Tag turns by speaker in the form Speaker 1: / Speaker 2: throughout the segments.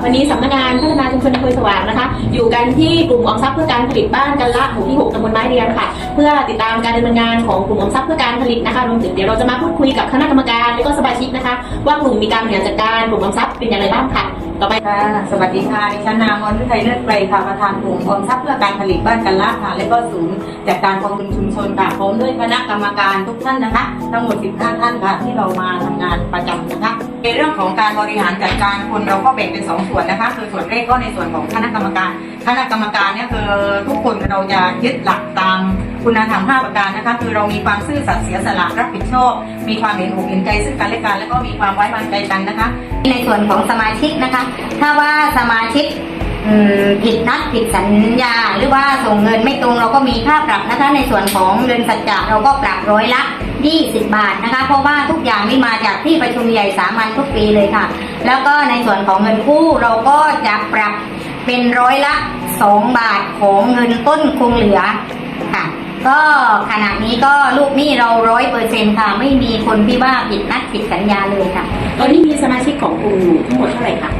Speaker 1: วันนี้สำนักงานพัฒนาชุมชนอำเภอสว่างนะคะอยู่กันที่กลุ่มออมทรัพย์เพื่อการผลิตบ้านกันละหมู่ที่ 6 ตำบลไม้เรียงค่ะเพื่อติดตามการดำเนินงานของกลุ่มออมทรัพย์เพื่อการผลิตนะคะรวมถึงเดี๋ยวเราจะมาพูดคุยกับคณะกรรมการและก็สมาชิกนะคะว่ากลุ่มมีการบริหารจัดการกลุ่มออมทรัพย์เป็นอย่างไรบ้างค่ะต่อไป
Speaker 2: ค่ะสวัสดีค่ะดิฉันนางมนฤทัยเลิศไกรค่ะประธานกลุ่มออมทรัพย์เพื่อการผลิตบ้านกันละค่ะและก็ศูนย์จัดการกองทุนชุมชนค่ะพร้อมด้วยคณะกรรมการทุกท่านนะคะทั้งหมด15ท่านค่ะที่เรามาทำงานประจำนะคะในเรื่องของการบริหารจัดการคนเราก็แบ่งเป็น2ส่วนนะคะคือส่วนแรกก็ในส่วนของคณะกรรมการเนี่ยคือทุกคนเราจะยึดหลักตามคุณธรรม5ประการนะคะคือเรามีความซื่อสัตย์เสียสละรับผิดชอบมีความเห็นอกเห็นใจซึ่งกันและกันแล้วก็มีความไว้วางใจกันนะคะในส่วนของสมาชิกนะคะถ้าว่าสมาชิกผิดนัดผิดสัญญาหรือว่าส่งเงินไม่ตรงเราก็มีค่าปรับนะคะในส่วนของเงินสัจจะเราก็ปรับร้อยละ20 บาทนะคะเพราะว่าทุกอย่างนี่มาจากที่ประชุมใหญ่สามัญทุกปีเลยค่ะแล้วก็ในส่วนของเงินกู้เราก็จะปรับเป็นร้อยละ2 บาทของเงินต้นคงเหลือค่ะก็ขณะนี้ก็ลูกหนี้เรา100%ค่ะไม่มีคนที่ว่าผิดนัดผิดสัญญาเลยค่ะ
Speaker 1: ตอนนี้มีสมาชิกของกลุ่มทั้งหมดเท่าไหร่คะ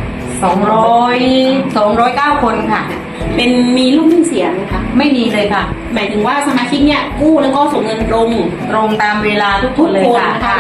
Speaker 2: 209 คนค่ะ
Speaker 1: เป็นมีลูกหนี้เสียไหมคะ
Speaker 2: ไม่มีเลยค่ะ
Speaker 1: หมายถึงว่าสมาชิกเนี่ยกู้แล้วก็ส่งเงินตรง
Speaker 2: ตามเวลาทุกคนเลยค่ะ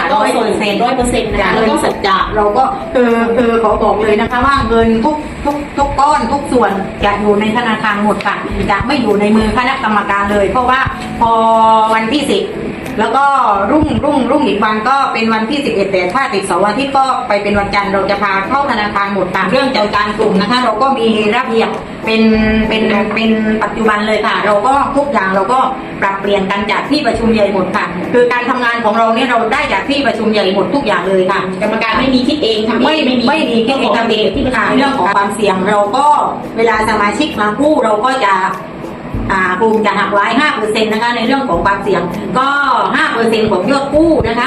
Speaker 1: 100%นะคะแล้วก็สัจจะ
Speaker 2: เราก็คือขอบอกเลยนะคะว่าเงินทุกก้อนทุกส่วนจะอยู่ในธนาคารหมดค่ะจะไม่อยู่ในมือคณะกรรมการเลยเพราะว่าพอวันที่10แล้วก็รุ่งอีกวันก็เป็นวันที่11แต่ถ้าติดเสาร์อาทิตย์ก็ไปเป็นวันจันทร์เราจะพาเข้าธนาคารหมดตามเรื่องจัดการกลุ่มนะคะเราก็มีระเบียบเป็นปัจจุบันเลยค่ะเราก็ทุกอย่างเราก็ปรับเปลี่ยนกันจากที่ประชุมใหญ่หมดค่ะคือการทำงานของเราเนี่ยเราได้จากที่ประชุมใหญ่หมดทุกอย่างเลยค่ะ
Speaker 1: กรรมการไม่มีคิดเองทำเอง
Speaker 2: ไม่มีคิดเองทำเองที่เรื่องของความเสี่ยงเราก็เวลาสมาชิกมากู้เราก็จะกลุ่มจะหักไว้ 5% นะคะในเรื่องของความเสี่ยงก็ 5% ของยอดกู้นะคะ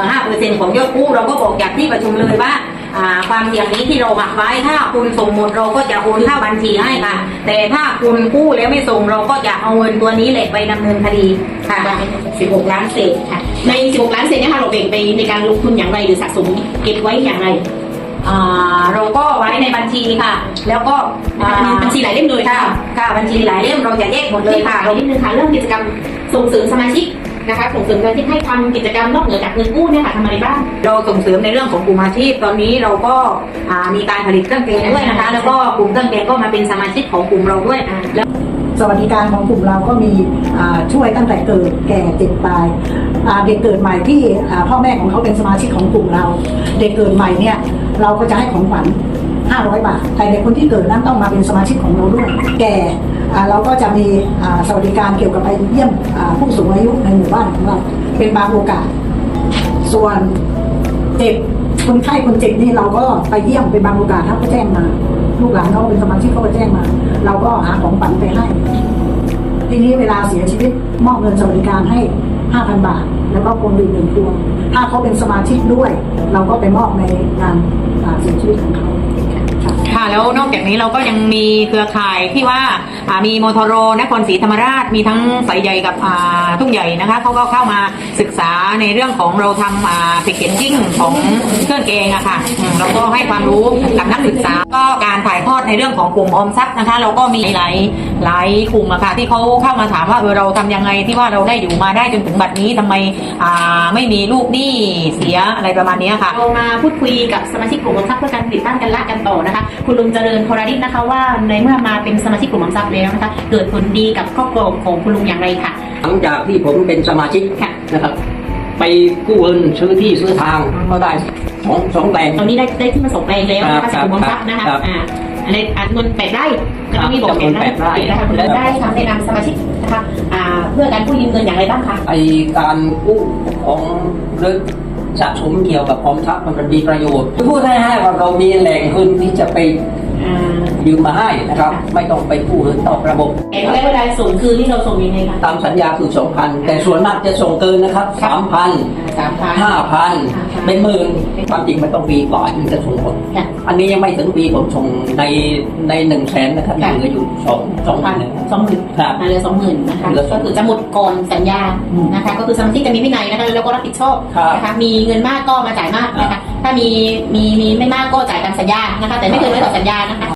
Speaker 2: 5% ของยอดกู้เราก็บอกจากที่ประชุมเลยว่าความเสี่ยงนี้ที่เราหักไว้ถ้าคุณส่งหมดเราก็จะโอนเข้าบัญชีให้ค่ะแต่ถ้าคุณกู้แล้วไม่ส่งเราก็จะเอาเงินตัวนี้แหละไปดำเนินคดีค่ะ16 ล้านเศษค่ะ
Speaker 1: ใน16 ล้านเศษเนี่ยค่ะเราแบ่งไปในการลงทุนอย่างไรหรือสะสมเก็บไว้อย่างไร
Speaker 2: เราก็ไว้ในบัญชีค่ะแล้วก็
Speaker 1: บัญชีหลายเล่มเลย
Speaker 2: ค่ะบัญชีหลายเล่มเราจะแยกหมดเลยค่ะ
Speaker 1: นิดนึงค่ะเรื่องกิจกรรมส่งเสริมสมาชิกนะคะส่งเสริมการที่ให้ทำกิจกรรมนอกเหนือจากเงินกู้เนี่ยค่ะทำอะไรบ้าง
Speaker 2: เราส่งเสริมในเรื่องของกลุ่มอาชีพตอนนี้เราก็มีการผลิตเครื่องแกงด้วยนะคะแล้วก็กลุ่มเครื่องแกงก็มาเป็นสมาชิกของกลุ่มเราด้วย
Speaker 3: แล้วสวัสดิการของกลุ่มเราก็มีช่วยตั้งแต่เกิดแก่เจ็บตายเด็กเกิดใหม่ที่พ่อแม่ของเขาเป็นสมาชิกของกลุ่มเราเด็กเกิดใหม่เนี่ยเราก็จะให้ของขวัญ500 บาทแต่เด็กคนที่เกิดนั้นต้องมาเป็นสมาชิกของเราด้วยแก่เราก็จะมีสวัสดิการเกี่ยวกับไปเยี่ยมผู้สูงอายุในหมู่บ้านของเราเป็นบางโอกาสส่วนเจ็บคนไข้คนเจ็บนี่เราก็ไปเยี่ยมเป็นบางโอกาสถ้าเขาแจ้งมาลูกหลานเขาเป็นสมาชิกเขาไปแจ้งมาเราก็หาของขวัญไปให้ทีนี้เวลาเสียชีวิตมอบเงินสวัสดิการให้ 5,000 บาทแล้วก็พวงหรีด1 พวงถ้าเขาเป็นสมาชิกด้วยเราก็ไปมอบในงานเสียชีวิตของเขา
Speaker 2: ค่ะแล้วนอกจากนี้เราก็ยังมีเครือข่ายที่ว่ามีมทรนครศรีธรรมราชมีทั้งสายใหญ่กับทุ่งใหญ่นะคะเขาก็เข้ามาศึกษาในเรื่องของเราทำแพคเกจจิ้งของเครื่องแกงอะค่ะเราก็ให้ความรู้กับนักศึกษาก็การถ่ายทอดในเรื่องของกลุ่มออมทรัพย์นะคะเราก็มีหลายกลุ่มอะค่ะที่เขาเข้ามาถามว่าเราทำยังไงที่ว่าเราได้อยู่มาได้จนถึงบัดนี้ทำไมไม่มีลูกหนี้เสียอะไรประมาณนี้ค่ะ
Speaker 1: เรามาพูดคุยกับสมาชิกกลุ่มออมทรัพย์เพื่อการผลิตบ้านกันละกันต่อนะคะคุณลุงเจริญพรดิษฐ์นะคะว่าในเมื่อมาเป็นสมาชิกกลุ่มออมทรัพย์แล้วนะคะเกิดผลดีกับครอบครัวของคุณลุงอย่างไรค่ะ
Speaker 4: หลังจากที่ผมเป็นสมาชิกนะครับไปกู้เงินซื้อที่ซื้อทางก็ได้สองแปลง
Speaker 1: ตอนนี้ได้ที่มา2 แปลงแล้วนะคะจากกลุ่มออมทรัพย์นะคะอะไรเงิน8 ไร่ก็ต้องมีบอกแปดไร่นะคะคุณลุงได้ทำแนะนำสมาชิกนะคะเพื่อการกู้ยืมเงินอย่างไรบ้างคะ
Speaker 4: ไอการกู้ของเรื่องสะสมเกี่ยวกับออมทรัพย์มันมีประโยชน์พูดให้ว่าเรามีแหล่งเงินที่จะไปยืมมาให้นะครับ ไม่ต้องไปกู้เงินนอกระบบ
Speaker 1: แต่ระยะเวลาส่งคือที่เราส่งยังไงคะ
Speaker 4: ตามสัญญาคือ 2,000 แต่ส่วนมากจะส่งเกินนะครับ 3,000
Speaker 1: 3,000
Speaker 4: 5,000 เป็นหมื่นความจริงมันต้องปีกว่าถึงจะส่งผล
Speaker 1: ค่ะ
Speaker 4: อันนี้ยังไม่ถึงปีผมส่งใน100,000นะครับยังเหลืออยู่2,000
Speaker 1: 20,000
Speaker 4: ครับ
Speaker 1: เหลือ 20,000นะคะ
Speaker 4: เหลือ
Speaker 1: ก็คือจะหมดก่อนสัญญานะคะ ก็คือสมาชิกจะมีวินัยนะคะแล้วก็รับผิดชอบ
Speaker 4: ครับ
Speaker 1: นะคะมีเงินมากก็มาจ่ายมากนะคะถ้ามีไม่มากก็จ่ายตามสัญญานะคะแต่ไม่เกินร้อยต่อสัญญานะคะ